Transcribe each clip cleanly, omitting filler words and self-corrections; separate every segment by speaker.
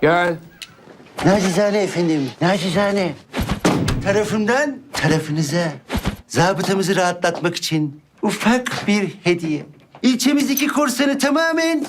Speaker 1: Gel.
Speaker 2: Nacizane efendim, nacizane. Tarafımdan tarafınıza zabıtamızı rahatlatmak için ufak bir hediye. İlçemizdeki korsanı tamamen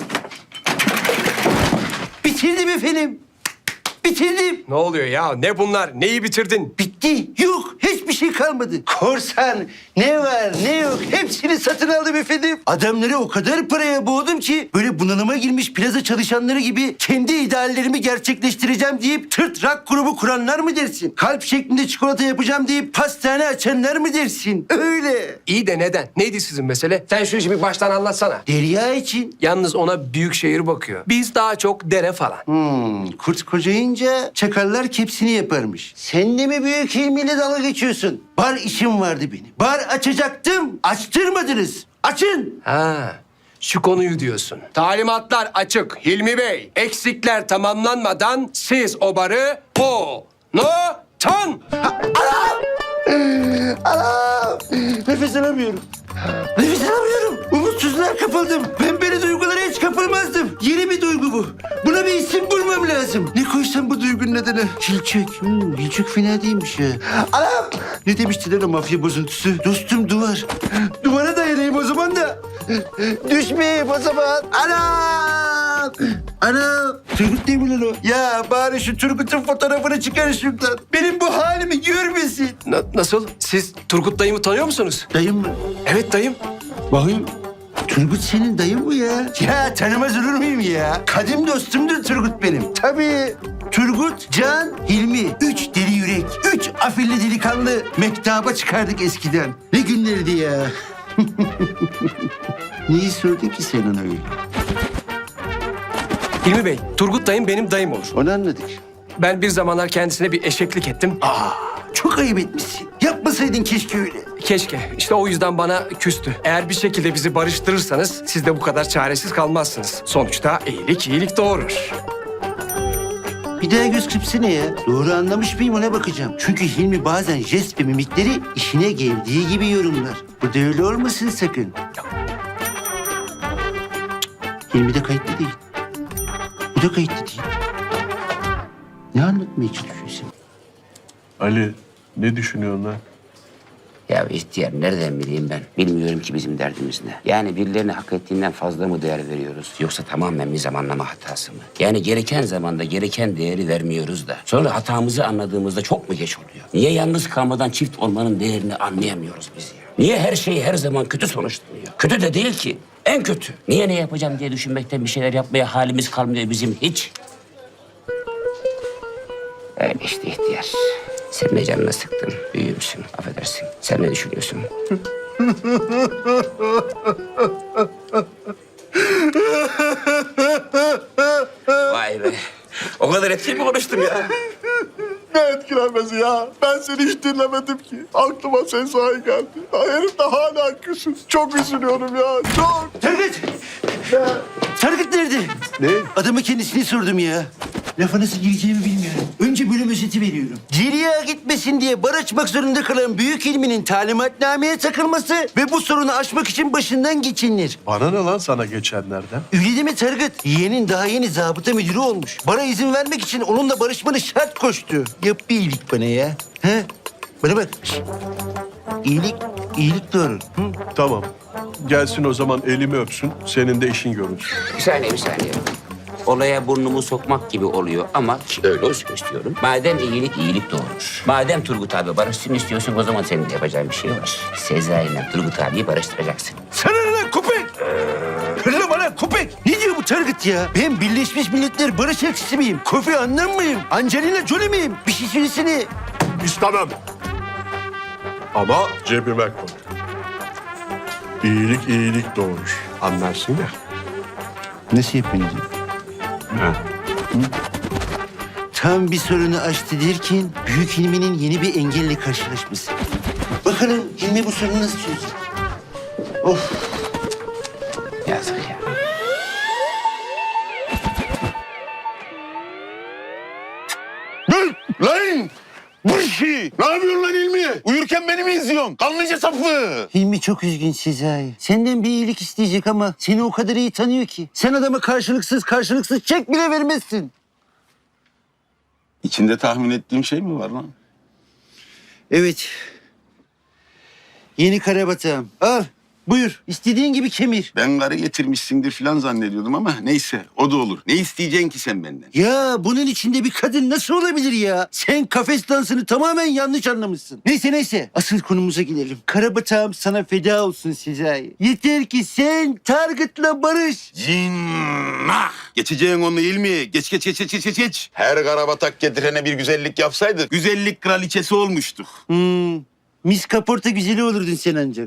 Speaker 2: bitirdim efendim. Bitirdim.
Speaker 1: Ne oluyor ya? Ne bunlar? Neyi bitirdin?
Speaker 2: Bitti. Yok. Hiçbir şey kalmadı. Korsan ne var ne yok hepsini satın aldım efendim. Adamları o kadar paraya boğdum ki böyle bunalıma girmiş plaza çalışanları gibi kendi ideallerimi gerçekleştireceğim deyip tırt rock grubu kuranlar mı dersin? Kalp şeklinde çikolata yapacağım deyip pastane açanlar mı dersin? Öyle.
Speaker 1: İyi de neden? Neydi sizin mesele? Sen şu işi bir baştan anlatsana.
Speaker 2: Derya için.
Speaker 1: Yalnız ona büyük şehir bakıyor. Biz daha çok dere falan.
Speaker 2: Kurt kocayınca çakallar kepsini yaparmış. Sen de mi büyük ilmiyle dalga geçiyorsun? Bar işim vardı benim. Bar açacaktım. Açtırmadınız. Açın.
Speaker 1: Ha, şu konuyu diyorsun. Talimatlar açık Hilmi Bey. Eksikler tamamlanmadan siz o barı
Speaker 2: Anam! Nefes alamıyorum. Nefes alamıyorum. Umutsuzluğa kapıldım. Ben böyle duygulara hiç kapılmazdım. Yeni bir duygu bu. Buna bir isim bulmam lazım. Ne koysam bu duygunun adını? Hilçök. Hilçök fena değilmiş ya. Anam! Ne demiştiler o mafya bozuntusu? Dostum duvar. Duvara dayanayım o zaman da. Düşmeyeyim o zaman. Anam! Anam! Turgut değil mi lan o? Ya bari şu Turgut'un fotoğrafını çıkar şuradan. Benim bu halimi görmesin.
Speaker 1: Nasıl? Siz Turgut dayımı tanıyor musunuz?
Speaker 2: Dayım mı?
Speaker 1: Evet dayım.
Speaker 2: Bakayım. Turgut senin dayın mı ya? Ya tanımaz olur muyum ya? Kadim dostumdur Turgut benim. Tabii. Turgut, Can, Hilmi. 3 deli yürek. 3 afilli delikanlı. Mektaba çıkardık eskiden. Ne günlerdi ya? Neyi sordun ki sen ona öyle?
Speaker 1: Hilmi Bey, Turgut dayım benim dayım olur.
Speaker 2: Onu anladık.
Speaker 1: Ben bir zamanlar kendisine bir eşeklik ettim.
Speaker 2: Çok ayıp etmişsin. Yapmasaydın keşke öyle.
Speaker 1: Keşke. İşte o yüzden bana küstü. Eğer bir şekilde bizi barıştırırsanız siz de bu kadar çaresiz kalmazsınız. Sonuçta iyilik doğurur.
Speaker 2: Bir daha göz kırpsana ya. Doğru anlamış mıyım ona bakacağım. Çünkü Hilmi bazen jest ve mimikleri işine geldiği gibi yorumlar. Bu da öyle olmasın sakın. Hilmi de kayıtlı değil. Bu da kayıtlı değil. Ne anlatmaya çalışıyorsun?
Speaker 3: Ali, ne düşünüyorsun lan?
Speaker 4: Ya ihtiyar nereden bileyim ben? Bilmiyorum ki bizim derdimiz ne. Yani birilerine hak ettiğinden fazla mı değer veriyoruz? Yoksa tamamen bir zamanlama hatası mı? Yani gereken zamanda gereken değeri vermiyoruz da. Sonra hatamızı anladığımızda çok mu geç oluyor? Niye yalnız kalmadan çift olmanın değerini anlayamıyoruz biz ya? Niye her şey her zaman kötü sonuçlanıyor? Kötü de değil ki. En kötü. Niye ne yapacağım diye düşünmekten bir şeyler yapmaya halimiz kalmıyor bizim hiç. Öyle işte ihtiyar. Sen de canına sıktın. Büyüğümsün. Affedersin. Sen ne düşünüyorsun? Vay be. O kadar etkili mi konuştum ya?
Speaker 3: Ne etkilenmesi ya? Ben seni hiç dinlemedim ki. Aklıma sen sahi geldi. Ya herif de hala küsüz. Çok üzülüyorum ya. Çok.
Speaker 2: Tarık! Tarık nerede?
Speaker 3: Ne?
Speaker 2: Adama kendisini sordum ya. Lafa nasıl gireceğimi bilmiyorum. Önce bölüm özeti veriyorum. Geriye gitmesin diye bar açmak zorunda kalan Büyük İlmi'nin talimatnameye takılması ve bu sorunu aşmak için başından geçinilir.
Speaker 3: Bana ne lan sana geçenlerden?
Speaker 2: Öyle değil mi Tarık? Yeğenin daha yeni zabıta müdürü olmuş. Bana izin vermek için onunla barışmanı şart koştu. Yap bir iyilik bana ya. He? Bana bak. Şişt. İyilik doğru. Hı?
Speaker 3: Tamam. Gelsin o zaman elimi öpsün. Senin de işin görünsün.
Speaker 4: Bir saniye. Olaya burnumu sokmak gibi oluyor ama ki öyle olsun istiyorum. Madem iyilik doğurur. Madem Turgut abi barışsın istiyorsun o zaman senin de yapacağın bir şey var. Sezai ile Turgut abiyi barıştıracaksın.
Speaker 2: Sana ne lan köpek? Hırla bana köpek. Ne diyor bu Tarık ya? Ben Birleşmiş Milletler Barış Elçisi miyim? Kofi Annan mıyım? Angelina Jolie miyim? Bir şey söylesene.
Speaker 3: İstemem. Ama cebime koy. İyilik doğurur. Anlarsın ya.
Speaker 2: Nasıl yapıyorsun? Tam bir sorunu aştı derken Büyük Hilmi'nin yeni bir engelle karşılaşması. Bakalım Hilmi bu sorunu nasıl çözecek? Of.
Speaker 4: Yazık ya.
Speaker 5: Lan! Bu işi! Ne yapıyorsun lan İlmi? Uyurken beni mi izliyorsun? Kanlıca sapı!
Speaker 2: Hilmi çok üzgün Sezai. Senden bir iyilik isteyecek ama seni o kadar iyi tanıyor ki. Sen adama karşılıksız çek bile vermezsin.
Speaker 5: İçinde tahmin ettiğim şey mi var lan?
Speaker 2: Evet. Yeni karabatağım. Al. Buyur. İstediğin gibi kemir.
Speaker 5: Ben karı getirmişsindir falan zannediyordum ama neyse o da olur. Ne isteyeceksin ki sen benden?
Speaker 2: Ya bunun içinde bir kadın nasıl olabilir ya? Sen kafes dansını tamamen yanlış anlamışsın. Neyse. Asıl konumuza gelelim. Karabatağım sana feda olsun Sezai. Yeter ki sen Target'la barış.
Speaker 5: Cinnah! Geçeceğin onu değil mi? Geç. Her karabatak getirene bir güzellik yapsaydık güzellik kraliçesi olmuştuk.
Speaker 2: Miss Kaporta güzeli olurdun sen ancak.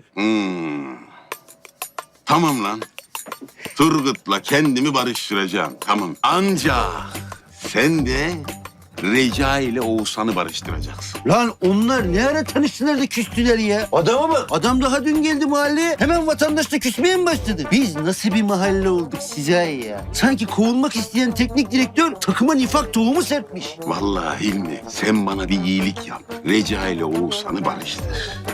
Speaker 5: Tamam lan. Turgut'la kendimi barıştıracağım. Tamam. Ancak sen de Reca ile Oğuzhan'ı barıştıracaksın.
Speaker 2: Lan onlar ne ara tanıştılar da küstüler ya? Adama bak. Adam daha dün geldi mahalleye. Hemen vatandaşla küsmeye mi başladı? Biz nasıl bir mahalle olduk Sezai ya? Sanki kovulmak isteyen teknik direktör takıma nifak tohumu serpmiş.
Speaker 5: Vallahi Hilmi sen bana bir iyilik yap. Reca ile Oğuzhan'ı barıştır.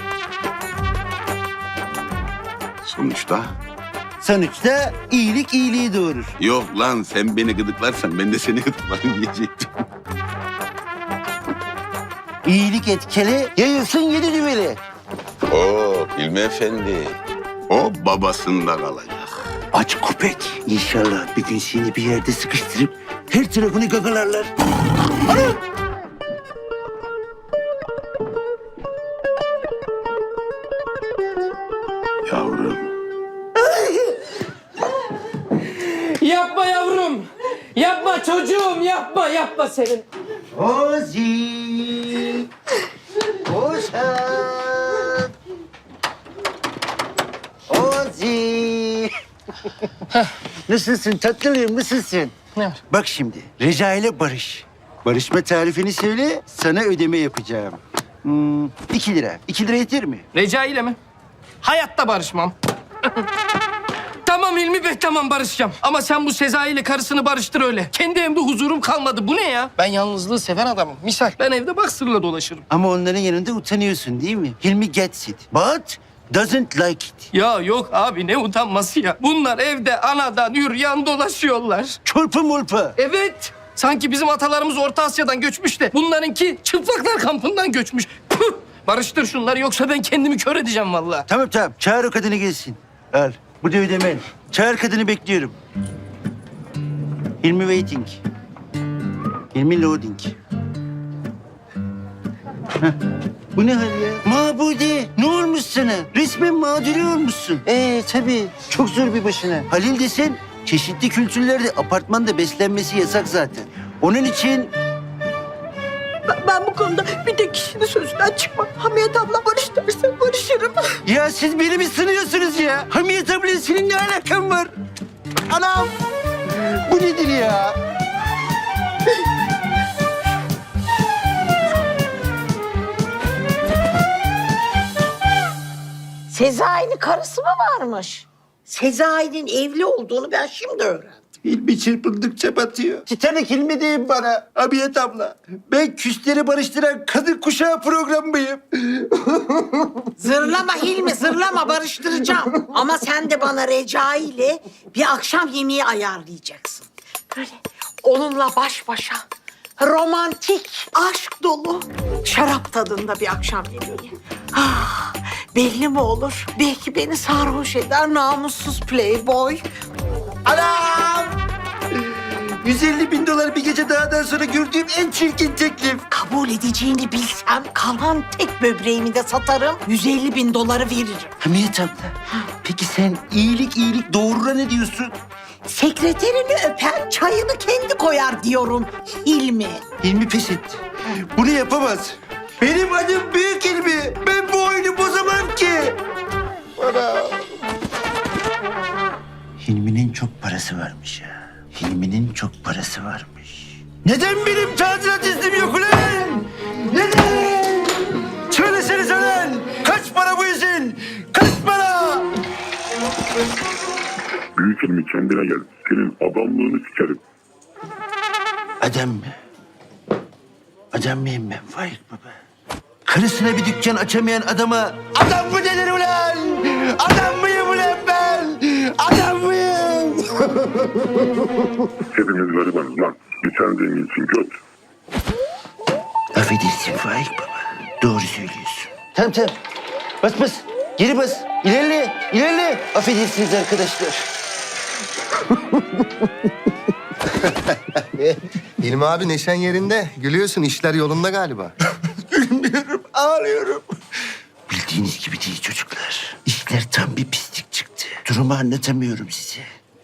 Speaker 2: Sonuçta iyilik iyiliği doğurur.
Speaker 5: Yok lan sen beni gıdıklarsan ben de seni gıdıklarım diyecektim.
Speaker 2: İyilik etkili, yayılsın yedi düveli.
Speaker 5: Oo Hilmi Efendi. O babasında kalacak.
Speaker 2: Aç köpek. İnşallah bir gün seni bir yerde sıkıştırıp her tarafını gagalarlar. Ana!
Speaker 5: Yavrum.
Speaker 6: Yapma yavrum. Yapma çocuğum. Yapma senin.
Speaker 2: Ozi! Ozan! Ozi! Nasılsın tatlılığım, nasılsın?
Speaker 6: Ne var?
Speaker 2: Bak şimdi, Reca ile barış. Barışma tarifini söyle, sana ödeme yapacağım. 2 lira. 2 lira yeter mi?
Speaker 6: Reca ile mi? Hayatta barışmam. Tamam Hilmi Bey, tamam barışacağım. Ama sen bu Sezai ile karısını barıştır öyle. Kendi evimde huzurum kalmadı. Bu ne ya? Ben yalnızlığı seven adamım. Misal ben evde baksırla dolaşırım.
Speaker 2: Ama onların yanında utanıyorsun değil mi? Hilmi gets it, but doesn't like it.
Speaker 6: Ya yok abi, ne utanması ya. Bunlar evde anadan yürüyen dolaşıyorlar.
Speaker 2: Çorpa molpa.
Speaker 6: Evet. Sanki bizim atalarımız Orta Asya'dan göçmüş de bunlarınki çıplaklar kampından göçmüş. Püh! Barıştır şunları yoksa ben kendimi kör edeceğim vallahi.
Speaker 2: Tamam. Çağır o kadını gelsin. Al. Bu da ödemen. Çağır kadını bekliyorum. Hilmi waiting. Hilmi loading. Heh. Bu ne hal ya? Mabude, ne olmuş sana? Resmen mağduri olmuşsun. Tabii. Çok zor bir başına. Halil desen çeşitli kültürlerde apartmanda beslenmesi yasak zaten. Onun için
Speaker 7: Ben bu konuda bir tek kişinin sözünden çıkmam. Hamiyet abla barış derse barışırım.
Speaker 2: ya siz beni mi sınıyorsunuz ya? Hamiyet abla senin ne alakan var? Anam! Bu nedir ya?
Speaker 7: Sezai'nin karısı mı varmış? Sezai'nin evli olduğunu ben şimdi öğrendim.
Speaker 2: Hilmi çırpındıkça batıyor. Titanik Hilmi deyin bana. Hamiyet abla. Ben küsleri barıştıran kadın kuşağı programıyım.
Speaker 7: Zırlama Hilmi, zırlama, barıştıracağım. Ama sen de bana Recai ile bir akşam yemeği ayarlayacaksın. Böyle onunla baş başa, romantik, aşk dolu, şarap tadında bir akşam yemeği. Ah, belli mi olur? Belki beni sarhoş eder namussuz playboy.
Speaker 2: Anam! 150.000 dolar bir gece dağdan sonra gördüğüm en çirkin teklif.
Speaker 7: Kabul edeceğini bilsem kalan tek böbreğimi de satarım. 150.000 doları veririm.
Speaker 2: Hamiyet abla. Peki sen iyilik doğruna ne diyorsun?
Speaker 7: Sekreterini öpen çayını kendi koyar diyorum Hilmi.
Speaker 2: Hilmi pes etti. Bunu yapamaz. Benim adım Büyük Hilmi. Ben bu oyunu bozamam ki. Hilmi'nin çok parası varmış ya. Hilmi'nin çok parası varmış. Neden benim tadilat iznim yok ulan? Neden? Söylesenize lan. Kaç para bu izin? Kaç para?
Speaker 3: Büyük ilmi kendine gel. Senin adamlığını sikerim.
Speaker 2: Adam mı? Adam mıyım ben Faik Baba? Karısına bir dükkan açamayan adama adam mı denir ulan? Adam mıyım ulan ben? Adam mıyım?
Speaker 3: Hepimiz garibanız lan. Bir sen zenginsin göt.
Speaker 2: Affedersin Faik baba. Doğru söylüyorsun. Tamam tamam. Bas bas. Geri bas. İlerle. İlerle. Affedersiniz arkadaşlar.
Speaker 8: İlmi abi neşen yerinde. Gülüyorsun, işler yolunda galiba.
Speaker 2: Gülmüyorum, ağlıyorum. Bildiğiniz gibi değil çocuklar. İşler tam bir pislik çıktı. Durumu anlatamıyorum size.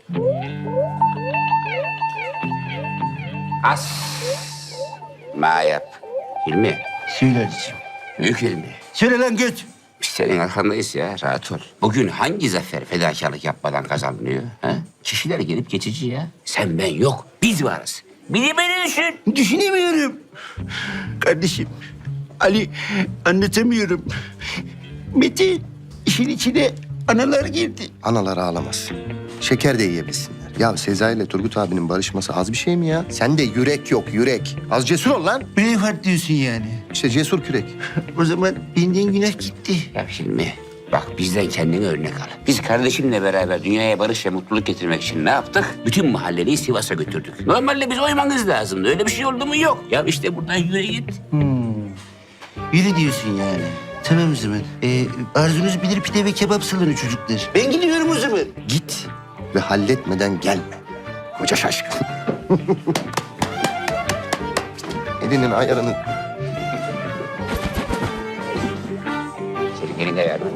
Speaker 4: As. Ma yap. Hilmi.
Speaker 2: Söyle Ali'ciğim.
Speaker 4: Büyük Hilmi.
Speaker 2: Söyle lan göt.
Speaker 4: Biz senin arkandayız ya, rahat ol. Bugün hangi zafer fedakarlık yapmadan kazanılıyor? Ha? Kişiler gelip geçici ya. Sen ben yok, biz varız. Biri beni düşün.
Speaker 2: Düşünemiyorum. Kardeşim, Ali anlatamıyorum. Metin işin içine analar girdi.
Speaker 8: Analar ağlamasın. Şeker de yiyebilsinler. Ya Sezai ile Turgut abinin barışması az bir şey mi ya? Sen de yürek yok, yürek. Az cesur ol lan.
Speaker 2: Braveheart diyorsun yani.
Speaker 8: İşte cesur kürek.
Speaker 2: O zaman benden günah gitti.
Speaker 4: Ya Hilmi, bak bizden kendine örnek al. Biz kardeşimle beraber dünyaya barış ve mutluluk getirmek için ne yaptık? Bütün mahalleliyi Sivas'a götürdük. Normalde biz oymanız lazımdı. Öyle bir şey oldu mu? Yok. Ya işte buradan yürü git.
Speaker 2: Yürü diyorsun yani. Tamam o zaman. Arzunuz bilir pide ve kebap salonu çocuklar. Ben gidiyorum o zaman.
Speaker 8: Git ve halletmeden gelme. Koca şaşkın. Elinin ayarını...
Speaker 4: Senin eline ver.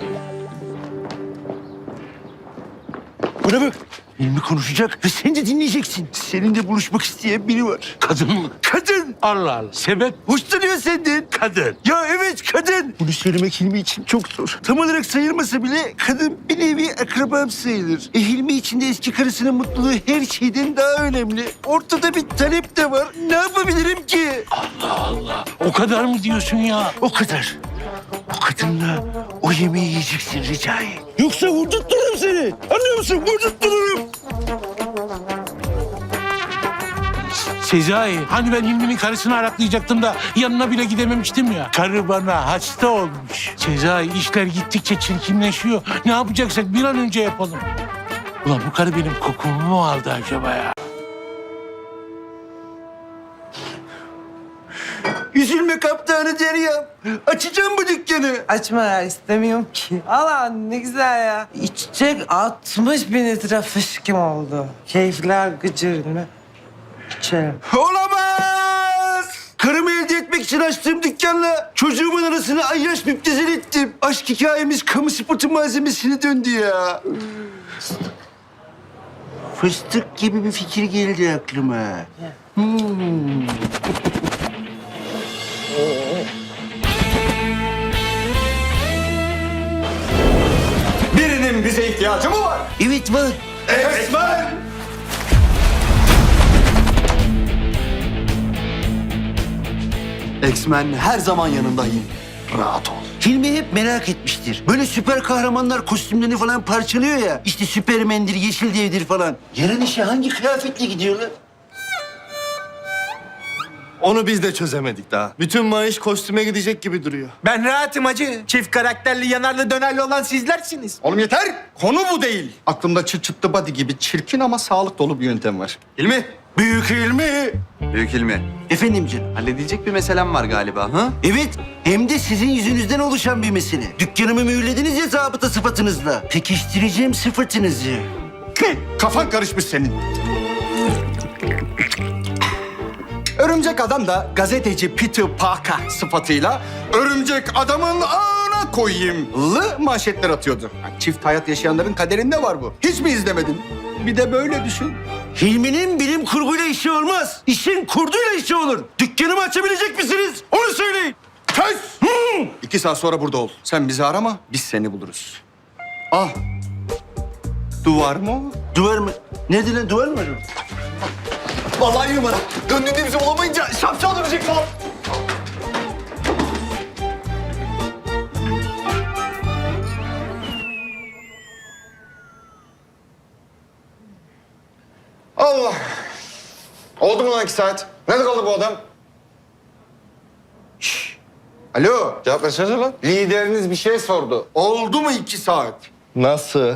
Speaker 2: Buna bak. Hilmi konuşacak ve sen de dinleyeceksin. Seninle buluşmak isteyen biri var.
Speaker 9: Kadın mı?
Speaker 2: Kadın.
Speaker 9: Allah Allah. Sebep?
Speaker 2: Hoşlanıyor senden.
Speaker 9: Kadın.
Speaker 2: Ya evet kadın. Bunu söylemek Hilmi için çok zor. Tam olarak sayılmasa bile kadın bir nevi akrabam sayılır. Hilmi için de eski karısının mutluluğu her şeyden daha önemli. Ortada bir talep de var. Ne yapabilirim ki?
Speaker 9: O kadar mı diyorsun ya?
Speaker 2: O kadar. O kadınla o yemeği yiyeceksin Recai. Yoksa vurdurttururum seni. Anlıyor musun? Vurdurttururum.
Speaker 9: Sezai, hani ben Hilmi'nin karısını araklayacaktım da yanına bile gidememiştim ya. Karı bana hasta olmuş. Sezai, işler gittikçe çirkinleşiyor. Ne yapacaksak bir an önce yapalım. Ulan bu karı benim kokumu mu aldı acaba ya?
Speaker 2: Üzülme kaptanı Deryam. Açacağım bu dükkanı.
Speaker 10: Açma ya istemiyorum ki. Allah ne güzel ya. İçecek 60 bin litre fışkım oldu. Keyifler gıcır mı? İçerim.
Speaker 2: Olamaz! Karımı elde etmek için açtığım dükkanla çocuğumun arasını ayyaş müptezel ettim. Aşk hikayemiz kamu spotu malzemesine döndü ya. Fıstık gibi bir fikir geldi aklıma.
Speaker 8: Birinin bize ihtiyacı mı var?
Speaker 2: Evet var.
Speaker 8: Esmer! X-Men her zaman yanındayım. Rahat ol.
Speaker 2: Hilmi hep merak etmiştir. Böyle süper kahramanlar kostümlerini falan parçalıyor ya. İşte Süpermen'dir, Yeşil Dev'dir falan. Yarın işe hangi kıyafetle gidiyorlar?
Speaker 8: Onu biz de çözemedik daha. Bütün maaş kostüme gidecek gibi duruyor.
Speaker 11: Ben rahatım hacı. Çift karakterli yanarlı dönerli olan sizlersiniz.
Speaker 8: Oğlum yeter! Konu bu değil. Aklımda çıt çıtlı body gibi çirkin ama sağlık dolu bir yöntem var. İlmi!
Speaker 2: Büyük Hilmi.
Speaker 11: Büyük ilmi.
Speaker 2: Efendim canım.
Speaker 11: Halledecek bir meselem var galiba ha?
Speaker 2: Evet, hem de sizin yüzünüzden oluşan bir mesele. Dükkanımı mühürlediniz ya zabıta sıfatınızla. Pekiştireceğim sıfatınızı.
Speaker 8: Kafan karışmış senin. Örümcek Adam da gazeteci Peter Parker sıfatıyla örümcek adamın ağına koyayımlı manşetler atıyordu. Yani çift hayat yaşayanların kaderinde var bu. Hiç mi izlemedin? Bir de böyle düşün.
Speaker 2: Hilmi'nin bilim kurguyla işi olmaz. İşin kurduyla işi olur. Dükkanımı açabilecek misiniz? Onu söyleyin.
Speaker 8: Kes! 2 saat sonra burada ol. Sen bizi arama, biz seni buluruz. Ah! Duvar mı o?
Speaker 2: Duvar mı? Nerede lan duvar mı var orada?
Speaker 8: Vallahi numara. Döndüğünde bizi bulamayınca şapşal dönecek falan. Allah! Oldu mu lan 2 saat? Nerede kaldı bu adam? Şşş! Alo, cevap versene lan. Lideriniz bir şey sordu. Oldu mu 2 saat?
Speaker 12: Nasıl?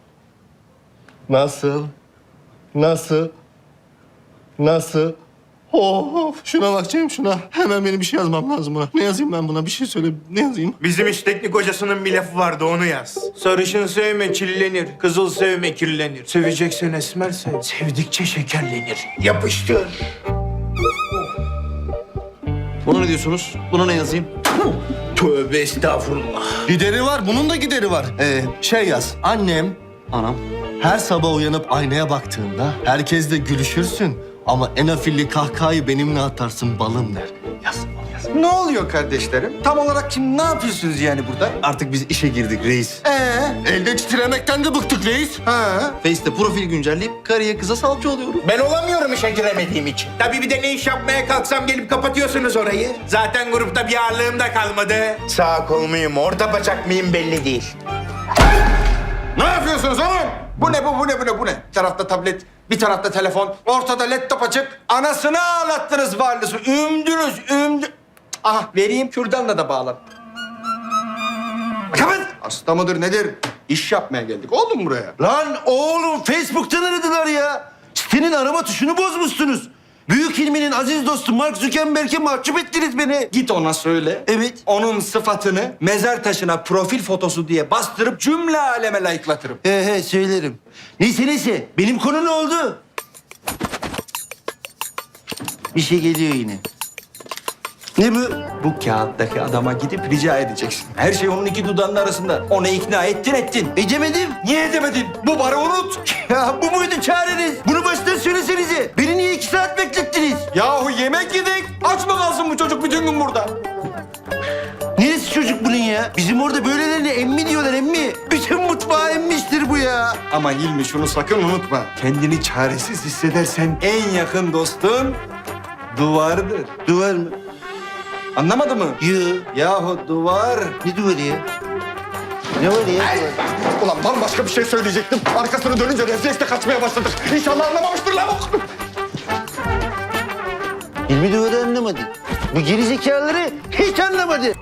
Speaker 12: Nasıl? Nasıl? Nasıl?
Speaker 3: Of şuna bakacağım şuna. Hemen benim bir şey yazmam lazım buna. Ne yazayım ben buna? Bir şey söyle. Ne yazayım?
Speaker 11: Bizim iş teknik hocasının bir lafı vardı, onu yaz. Sarışın sevme kirlenir, kızıl sevme kirlenir. Seveceksen esmer sev, sevdikçe şekerlenir. Yapıştır.
Speaker 2: Buna ne diyorsunuz? Buna ne yazayım?
Speaker 11: Tövbe estağfurullah.
Speaker 2: Gideri var. Bunun da gideri var. Şey yaz. Anam. Her sabah uyanıp aynaya baktığında herkesle gülüşürsün. Ama en afilli kahkahayı benimle atarsın balım der. Yaz.
Speaker 8: Ne oluyor kardeşlerim? Tam olarak şimdi ne yapıyorsunuz yani burada?
Speaker 2: Artık biz işe girdik reis. Elde titremekten de bıktık reis. Face'te profil güncelleyip karıya kıza salça oluyorum.
Speaker 11: Ben olamıyorum işe giremediğim için. Tabii bir de ne iş yapmaya kalksam gelip kapatıyorsunuz orayı. Zaten grupta bir ağırlığım da kalmadı. Sağ kol muyum, orta bacak mıyım belli değil.
Speaker 8: Ne yapıyorsunuz oğlum? Bu ne? Bir tarafta tablet, bir tarafta telefon, ortada laptop açık. Anasını ağlattınız varlısı. Ümdünüz. Aha vereyim, kürdanla da bağlan. Kapat! Hasta mıdır nedir? İş yapmaya geldik. Oldu mu buraya?
Speaker 2: Lan oğlum Facebook'tan aradılar ya. Sitenin arama tuşunu bozmuşsunuz. Büyük ilminin aziz dostu Mark Zuckerberg'e mahcup ettiniz beni.
Speaker 8: Git ona söyle.
Speaker 2: Evet.
Speaker 8: Onun sıfatını mezar taşına profil fotosu diye bastırıp cümle aleme layıklatırım.
Speaker 2: He söylerim. Neyse benim konu ne oldu? Bir şey geliyor yine. Ne bu?
Speaker 8: Bu kağıttaki adama gidip rica edeceksin. Her şey onun iki dudağının arasında. Onu ikna ettin.
Speaker 2: Edemedim.
Speaker 8: Niye edemedin? Bu barı unut.
Speaker 2: Ya bu muydu çareniz? Bunu baştan söylesenize. Beni niye 2 saat beklettiniz?
Speaker 8: Yahu yemek yedik. Aç mı kalsın bu çocuk bütün gün burada?
Speaker 2: Neresi çocuk bunun ya? Bizim orada böylelerine emmi diyorlar emmi. Bütün mutfağı emmiştir bu ya.
Speaker 8: Ama Hilmi şunu sakın unutma. Kendini çaresiz hissedersen en yakın dostun duvardır.
Speaker 2: Duvar mı?
Speaker 8: Anlamadın mı?
Speaker 2: Yoo.
Speaker 8: Yahu duvar.
Speaker 2: Ne duvarı ya? Ne var ya?
Speaker 8: Ulan bambaşka bir şey söyleyecektim. Arkasını dönünce refleksle kaçmaya başladık. İnşallah anlamamıştır lavuk.
Speaker 2: Hilmi duvarı anlamadı. Bu gerizekalıları hiç anlamadı.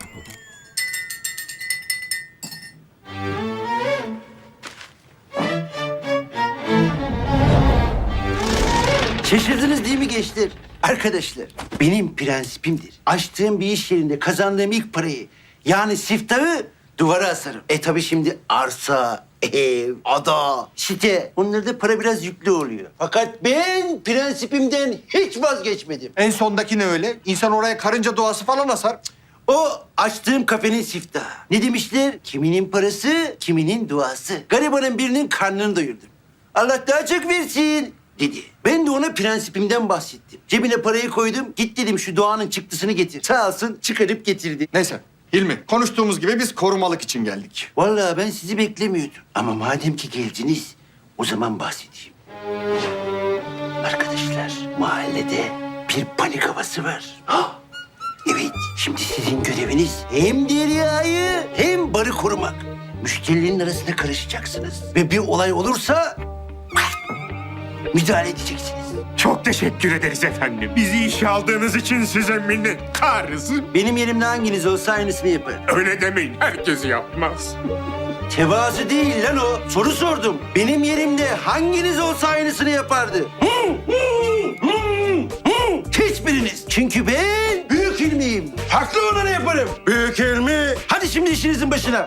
Speaker 2: Şaşırdınız değil mi gençler? Arkadaşlar, benim prensibimdir. Açtığım bir iş yerinde kazandığım ilk parayı, yani siftahı duvara asarım. Tabii şimdi arsa, ev, ada, site, onlarda para biraz yüklü oluyor. Fakat ben prensibimden hiç vazgeçmedim.
Speaker 8: En sondaki ne öyle? İnsan oraya karınca doğası falan asar.
Speaker 2: O açtığım kafenin siftahı. Ne demişler? Kiminin parası, kiminin duası. Garibanın birinin karnını doyurdum. Allah daha çok versin dedi. Ben de ona prensibimden bahsettim. Cebine parayı koydum. Git dedim şu doğanın çıktısını getir. Sağ olsun çıkarıp getirdi.
Speaker 8: Neyse Hilmi, konuştuğumuz gibi biz korumalık için geldik.
Speaker 2: Vallahi ben sizi beklemiyordum. Ama madem ki geldiniz, o zaman bahsedeyim. Arkadaşlar, mahallede bir panik havası var. Evet, şimdi sizin göreviniz hem Derya'yı hem barı korumak. Müşterilerin arasında karışacaksınız. Ve bir olay olursa müdahale edeceksiniz.
Speaker 11: Çok teşekkür ederiz efendim. Bizi işe aldığınız için size minnettarız.
Speaker 2: Benim yerimde hanginiz olsa aynısını yapar.
Speaker 11: Öyle demeyin, herkes yapmaz.
Speaker 2: Tevazu değil lan o. Soru sordum. Benim yerimde hanginiz olsa aynısını yapardı? Hiçbiriniz. Çünkü ben büyük ilmiyim. Haklı olanı yaparım. Büyük ilmi. Hadi şimdi işinizin başına.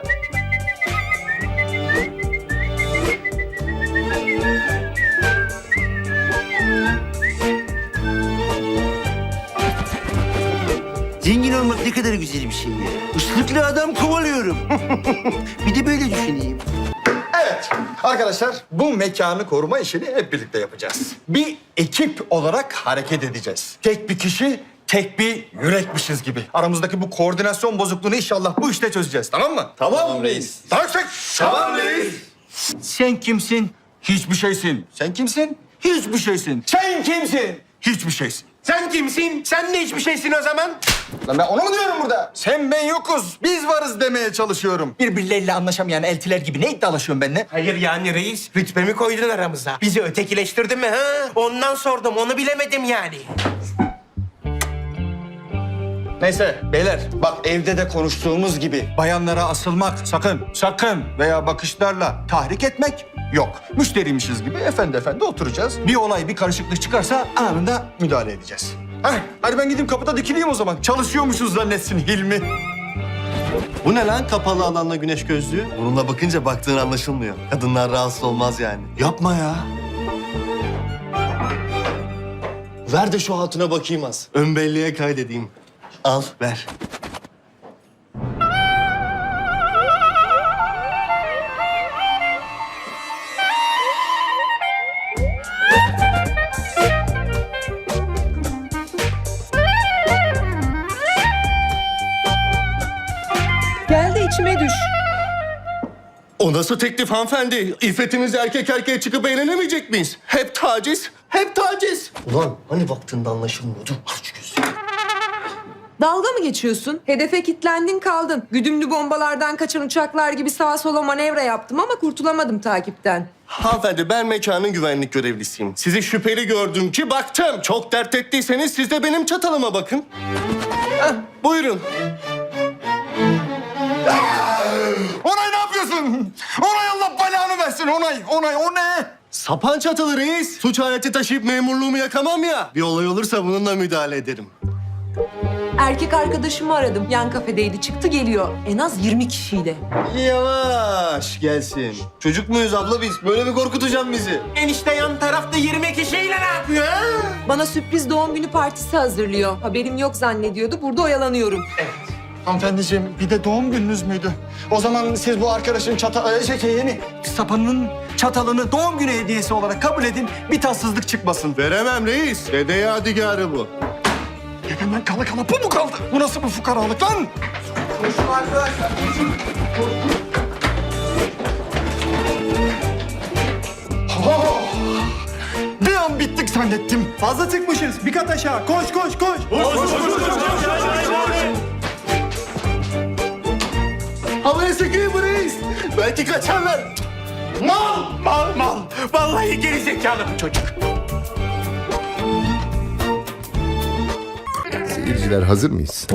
Speaker 2: Zengin olmak ne kadar güzel bir şey ya. Islıklı adam kovalıyorum. Bir de böyle düşüneyim.
Speaker 8: Evet arkadaşlar bu mekanı koruma işini hep birlikte yapacağız. Bir ekip olarak hareket edeceğiz. Tek bir kişi, tek bir yürekmişiz gibi. Aramızdaki bu koordinasyon bozukluğunu inşallah bu işte çözeceğiz, tamam mı? Tamam reis. Tamam reis. Sen kimsin? Hiçbir şeysin. Sen kimsin? Hiçbir şeysin. Sen kimsin? Hiçbir şeysin.
Speaker 11: Sen kimsin? Sen de hiçbir şeysin o zaman.
Speaker 8: Lan ben onu mu diyorum burada? Sen ben yokuz, biz varız demeye çalışıyorum. Birbirleriyle anlaşamayan eltiler gibi ne iddialaşıyorsun benimle?
Speaker 11: Hayır yani reis, rütbemi koydun aramıza. Bizi ötekileştirdin mi ha? Ondan sordum, onu bilemedim yani.
Speaker 8: Neyse beyler bak evde de konuştuğumuz gibi bayanlara asılmak sakın veya bakışlarla tahrik etmek Yok. Müşteriymişiz gibi efendi oturacağız. Bir olay, bir karışıklık çıkarsa anında müdahale edeceğiz. Hadi ben gideyim kapıda dikileyim o zaman. Çalışıyormuşuz zannetsin Hilmi.
Speaker 2: Bu ne lan kapalı alanla güneş gözlüğü? Bununla bakınca baktığın anlaşılmıyor. Kadınlar rahatsız olmaz yani. Yapma ya. Ver de şu hatuna bakayım az. Ön belleğe kaydedeyim. Al ver.
Speaker 10: Gel de içime düş.
Speaker 2: O nasıl teklif hanımefendi? İffetimiz erkek erkeğe çıkıp eğlenemeyecek miyiz? Hep taciz, hep taciz. Ulan hani vaktinde anlaşılmıyordu? Aç gözünü.
Speaker 10: Dalga mı geçiyorsun? Hedefe kilitlendin kaldın. Güdümlü bombalardan kaçan uçaklar gibi sağa sola manevra yaptım ama kurtulamadım takipten.
Speaker 2: Hanımefendi ben mekanın güvenlik görevlisiyim. Sizi şüpheli gördüm ki baktım. Çok dert ettiyseniz siz de benim çatalıma bakın. Buyurun.
Speaker 8: Onay ne yapıyorsun? Onay Allah belanı versin Onay o ne?
Speaker 2: Sapan çatalı reis. Suç aleti taşıyıp memurluğumu yakamam ya. Bir olay olursa bununla müdahale ederim.
Speaker 10: Erkek arkadaşımı aradım. Yan kafedeydi. Çıktı geliyor. En az 20 kişiyle.
Speaker 2: Yavaş gelsin. Çocuk muyuz abla biz? Böyle mi korkutacaksın bizi?
Speaker 11: Enişte yan tarafta 20 kişiyle ne yapıyor ha?
Speaker 10: Bana sürpriz doğum günü partisi hazırlıyor. Haberim yok zannediyordu. Burada oyalanıyorum.
Speaker 8: Hanımefendiciğim bir de doğum gününüz müydü? O zaman siz bu arkadaşın sapanının çatalını doğum günü hediyesi olarak kabul edin. Bir tatsızlık çıkmasın.
Speaker 2: Veremem reis. Dede yadigarı bu.
Speaker 8: Hemen kala bu mu kaldı? Bu nasıl bir fukaralık lan? Bir an bittik zannettim.
Speaker 2: Fazla çıkmışız. Bir kat aşağı. Koş. Havaya sıkayım bu reis. Belki kaçarlar.
Speaker 11: Mal. Vallahi geri zekalı bu çocuk.
Speaker 3: Seyirciler hazır mıyız?